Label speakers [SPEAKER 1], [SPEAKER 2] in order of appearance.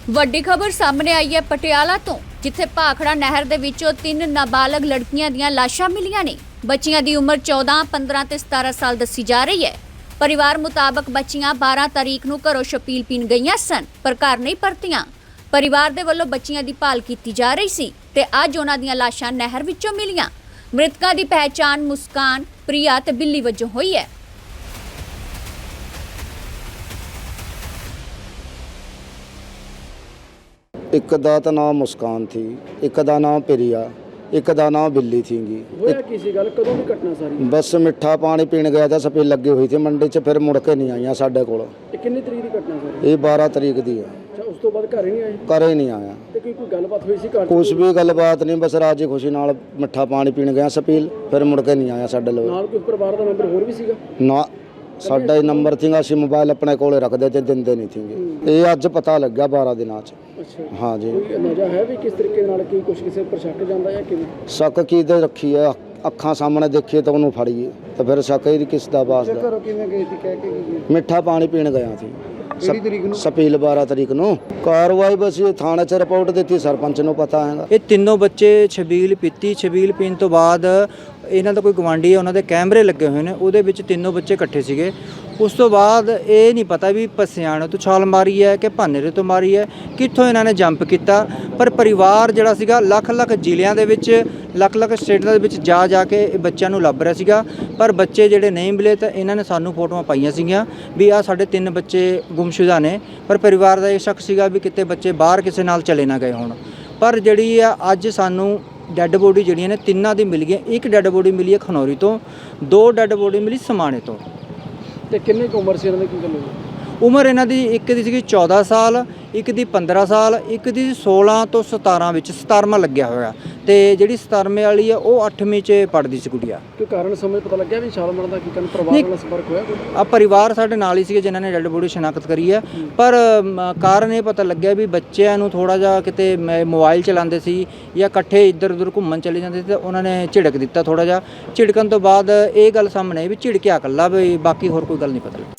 [SPEAKER 1] ਵੱਡੀ ਖਬਰ ਸਾਹਮਣੇ ਆਈ ਹੈ ਪਟਿਆਲਾ ਤੋਂ, ਜਿੱਥੇ ਭਾਖੜਾ ਨਹਿਰ ਦੇ ਵਿੱਚੋਂ 3 ਨਾਬਾਲਗ ਲੜਕੀਆਂ ਦੀਆਂ ਲਾਸ਼ਾਂ ਮਿਲੀਆਂ ਨੇ। ਬੱਚੀਆਂ ਦੀ ਉਮਰ 14, 15 ਤੇ 17 ਸਾਲ ਦੱਸੀ ਜਾ ਰਹੀ ਹੈ। ਪਰਿਵਾਰ ਮੁਤਾਬਕ ਬੱਚੀਆਂ 12 ਤਾਰੀਖ ਨੂੰ ਘਰੋਂ ਛਪੀਲ ਪੀਣ ਗਈਆਂ ਸਨ, ਪਰ ਘਰ ਨਹੀਂ ਪਰਤੀਆਂ। ਪਰਿਵਾਰ ਦੇ ਵੱਲੋਂ ਬੱਚੀਆਂ ਦੀ ਭਾਲ ਕੀਤੀ ਜਾ ਰਹੀ ਸੀ ਤੇ ਅੱਜ ਉਹਨਾਂ ਦੀਆਂ ਲਾਸ਼ਾਂ ਨਹਿਰ ਵਿੱਚੋਂ ਮਿਲੀਆਂ। ਮ੍ਰਿਤਕਾਂ ਦੀ ਪਹਿਚਾਣ ਮੁਸਕਾਨ, ਪ੍ਰਿਆ ਤੇ ਬਿੱਲੀ ਵਜੋਂ ਹੋਈ ਹੈ।
[SPEAKER 2] एक का तो नाम मुस्कान थी, एक का नाम प्रिया, एक का नाम बिल्ली थी। बस मिठा पानी पीने गया था, सफेद लगी हुई थी मंडी च, फिर मुड़ के नहीं आई साढ़े को।
[SPEAKER 3] कितनी तरीक की घटना सर?
[SPEAKER 2] ये 12 तरीक दी है।
[SPEAKER 3] अच्छा, उस तो बाद घर ही नहीं आए?
[SPEAKER 2] घर ही नहीं आया।
[SPEAKER 3] ਤੇ ਕੋਈ ਗੱਲਬਾਤ ਹੋਈ ਸੀ ਘਰ?
[SPEAKER 2] कुछ भी गलबात नहीं, बस राजी खुशी नाल मिठा पानी पीने गया सफील, फिर मुड़ के नहीं आया साढ़े लोग।
[SPEAKER 3] ਨਾਲ ਕੋਈ ਪਰਿਵਾਰ ਦਾ ਮੈਂਬਰ ਹੋਰ ਵੀ ਸੀਗਾ?
[SPEAKER 2] ना साडा ही नंबर थी, असं मोबाइल अपने कोले रखते थे, दिंदे नहीं थे। ये अज पता लग गया 12 दिनों च।
[SPEAKER 3] अच्छा,
[SPEAKER 2] हाँ जी।
[SPEAKER 3] ਕੋਈ ਅੰਦਾਜ਼ਾ ਹੈ ਵੀ ਕਿਸ ਤਰੀਕੇ ਨਾਲ ਕੀ ਕੁਝ ਕਿਸੇ ਪਰ ਸ਼ੱਕ ਜਾਂਦਾ ਜਾਂ ਕਿਵੇਂ?
[SPEAKER 2] शक की तो रखी है, अखा सामने देखिए तो उन्होंने फड़िए, तो फिर शक ही किस दा बास दा।
[SPEAKER 3] ਘਰੋਂ ਕਿਵੇਂ ਗਈ ਸੀ ਕਹਿ ਕੇ ਗਈ?
[SPEAKER 2] मिठा पानी पीने गया थी
[SPEAKER 3] ਕਿਹੜੀ ਤਰੀਕ ਨੂੰ?
[SPEAKER 2] सपील 12 तरीक ਨੂੰ। कार्रवाई बस ये थाने च रिपोर्ट दी, सरपंच ਨੂੰ पता है।
[SPEAKER 4] ਇਹ ਤਿੰਨੋਂ ਬੱਚੇ ਛਬੀਲ ਪੀਤੀ। ਛਬੀਲ ਪੀਣ ਤੋਂ ਬਾਅਦ ਇਹਨਾਂ ਦਾ ਕੋਈ ਗਵਾਂਢੀ ਹੈ, ਉਹਨਾਂ ਦੇ ਕੈਮਰੇ ਲੱਗੇ ਹੋਏ ਨੇ, ਉਹਦੇ ਵਿੱਚ ਤਿੰਨੋਂ ਬੱਚੇ ਇਕੱਠੇ ਸੀਗੇ। ਉਸ ਤੋਂ ਬਾਅਦ ਇਹ ਨਹੀਂ ਪਤਾ ਵੀ ਪਸਿਆਣੇ ਤੋਂ ਛਾਲ ਮਾਰੀ ਹੈ ਕਿ ਭਾਨੇਰੇ ਤੋਂ ਮਾਰੀ ਹੈ, ਕਿੱਥੋਂ ਇਹਨਾਂ ਨੇ ਜੰਪ ਕੀਤਾ। ਪਰ ਪਰਿਵਾਰ ਜਿਹੜਾ ਸੀਗਾ ਲੱਖ ਜ਼ਿਲ੍ਹਿਆਂ ਦੇ ਵਿੱਚ, ਲੱਖ ਸਟੇਟਾਂ ਦੇ ਵਿੱਚ ਜਾ ਕੇ ਇਹ ਬੱਚਿਆਂ ਨੂੰ ਲੱਭ ਰਿਹਾ ਸੀਗਾ, ਪਰ ਬੱਚੇ ਜਿਹੜੇ ਨਹੀਂ ਮਿਲੇ। ਤਾਂ ਇਹਨਾਂ ਨੇ ਸਾਨੂੰ ਫੋਟੋਆਂ ਪਾਈਆਂ ਸੀਗੀਆਂ ਵੀ ਆਹ ਸਾਡੇ 3 ਬੱਚੇ ਗੁੰਮਸ਼ੁਦਾ ਨੇ, ਪਰ ਪਰਿਵਾਰ ਦਾ ਇਹ ਸ਼ੱਕ ਸੀਗਾ ਵੀ ਕਿਤੇ ਬੱਚੇ ਬਾਹਰ ਕਿਸੇ ਨਾਲ ਚਲੇ ਨਾ ਗਏ ਹੋਣ। ਪਰ ਜਿਹੜੀ ਆ ਅੱਜ ਸਾਨੂੰ ਡੈੱਡ ਬੋਡੀ ਜਿਹੜੀਆਂ ਨੇ 3 ਦੀ ਮਿਲ ਗਈਆਂ। ਇੱਕ ਡੈੱਡ ਬੋਡੀ ਮਿਲੀ ਹੈ ਖਨੌਰੀ ਤੋਂ, 2 ਡੈੱਡ ਬੋਡੀ ਮਿਲੀ ਸਮਾਣੇ ਤੋਂ।
[SPEAKER 3] ਤੇ ਕਿੰਨੇ ਕੁ ਉਮਰ ਸੀ ਇਹਨਾਂ ਦੀ, ਕੀ ਗੱਲ ਹੋਈ?
[SPEAKER 4] ਉਮਰ ਇਹਨਾਂ ਦੀ ਇੱਕ ਦੀ ਸੀਗੀ 14 ਸਾਲ, ਇੱਕ ਦੀ 15 ਸਾਲ, ਇੱਕ ਦੀ 16 ਤੋਂ 17 ਵਿੱਚ 17ਵਾਂ ਲੱਗਿਆ ਹੋਇਆ, ਤੇ ਜਿਹੜੀ 17ਵੇਂ ਵਾਲੀ ਆ ਉਹ 8ਵੀਂ 'ਚ ਪੜ੍ਹਦੀ ਸੀ ਗੁੜੀਆ।
[SPEAKER 3] ਕੋਈ ਕਾਰਨ ਸਮਝ ਪਤਾ ਲੱਗਿਆ ਵੀ ਛਾਲ ਮਾਰਨ ਦਾ ਕੀ ਕਾਰਨ? ਪਰਿਵਾਰ ਨਾਲ ਸੰਪਰਕ ਹੋਇਆ ਕੋਈ?
[SPEAKER 4] ਆ ਪਰਿਵਾਰ ਸਾਡੇ ਨਾਲ ਹੀ ਸੀਗੇ ਜਿਨ੍ਹਾਂ ਨੇ ਡੈੱਡ ਬੋਡੀ ਸ਼ਨਾਖਤ ਕਰੀ ਹੈ, ਪਰ ਕਾਰਨ ਇਹ ਪਤਾ ਲੱਗਿਆ ਵੀ ਬੱਚਿਆਂ ਨੂੰ ਥੋੜਾ ਜਿਹਾ ਕਿਤੇ ਮੋਬਾਈਲ ਚਲਾਉਂਦੇ ਸੀ ਜਾਂ ਇਕੱਠੇ ਇੱਧਰ ਉੱਧਰ ਘੁੰਮਣ ਚਲੇ ਜਾਂਦੇ ਸੀ, ਤੇ ਉਹਨਾਂ ਨੇ ਝਿੜਕ ਦਿੱਤਾ ਥੋੜਾ ਜਿਹਾ। ਝਿੜਕਣ ਤੋਂ ਬਾਅਦ ਇਹ ਗੱਲ ਸਾਹਮਣੇ ਆਈ ਵੀ ਝਿੜਕਿਆ ਇਕੱਲਾ, ਵੀ ਬਾਕੀ ਹੋਰ ਕੋਈ ਗੱਲ ਨਹੀਂ ਪਤਾ ਲੱਗੀ।